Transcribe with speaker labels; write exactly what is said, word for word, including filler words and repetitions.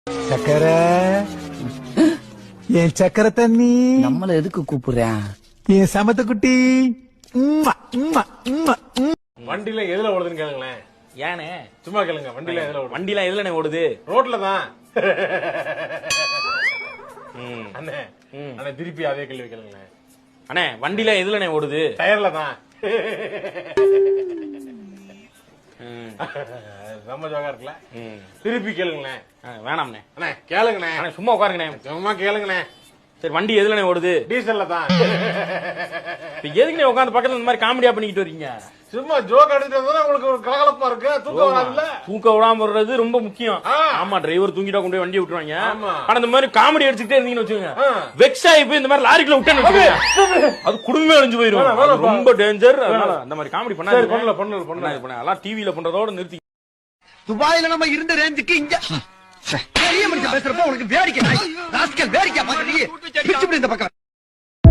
Speaker 1: சக்கர என் சக்கர தண்ணி
Speaker 2: நம்மள எதுக்கு கூப்பிடுறேன்?
Speaker 1: என் சமத்த குட்டி.
Speaker 3: வண்டியில எதுல ஓடுதுன்னு கேளுங்களேன்.
Speaker 4: ஏனே
Speaker 3: சும்மா கேளுங்க. வண்டியில எதுல ஓடுது?
Speaker 4: வண்டிலாம் எதுல ஓடுது?
Speaker 3: ரோட்ல தான். அண்ணே அண்ணே திருப்பி அதே கேள்வி கேளுங்களேன்.
Speaker 4: அண்ணே வண்டில எதுல ஓடுது?
Speaker 3: டயர்ல தான். ரொம்ப ஜோகா இருக்குல்ல. திருப்பி கேளுங்களேன்.
Speaker 4: வேணாம்ண்ணே.
Speaker 3: அண்ணே கேளுங்கண்ணே.
Speaker 4: அண்ணே சும்மா உட்காருங்கண்ணே.
Speaker 3: சும்மா கேளுங்கண்ணே.
Speaker 4: சரி வண்டி எதுல ஓடுது?
Speaker 3: டீசல்ல தான்.
Speaker 4: எதுக்கு உட்காந்து பக்கத்துல இந்த மாதிரி காமெடியா பண்ணிக்கிட்டு வரீங்க?
Speaker 3: சும்மா ஜோக் அடிச்சுட்டு வந்தா உங்களுக்கு ஒரு கலகலப்பா இருக்கு. தூக்கம் வராதுல்ல.
Speaker 4: தூக்க விடாம வர்றது ரொம்ப முக்கியம். ஆமா டிரைவர் தூங்கிட்டா கொண்டு போய் வண்டி விட்டுருவாங்க. ஆனா இந்த மாதிரி காமெடி அடிச்சுட்டே இருந்தீங்கன்னு வச்சுக்கோங்க, வெக்ஸ் ஆகி போய் இந்த மாதிரி லாரிக்குள்ள விட்டேன்னு வச்சுக்கோங்க, அது குடும்பமே அழிஞ்சு போயிடும். ரொம்ப டேஞ்சர். அதனால அந்த மாதிரி காமெடி பண்ணாது.
Speaker 3: பண்ணல பண்ணல பண்ணல
Speaker 4: அதெல்லாம் டிவில பண்றதோட நிறுத்தி.
Speaker 2: துபாயில நம்ம இருந்த ரேஞ்சுக்கு இங்க பெரிய மனுஷன் பேசுறப்ப உனக்கு வேடிக்கை வேடிக்கை பாக்குறீங்க இந்த பக்கம்.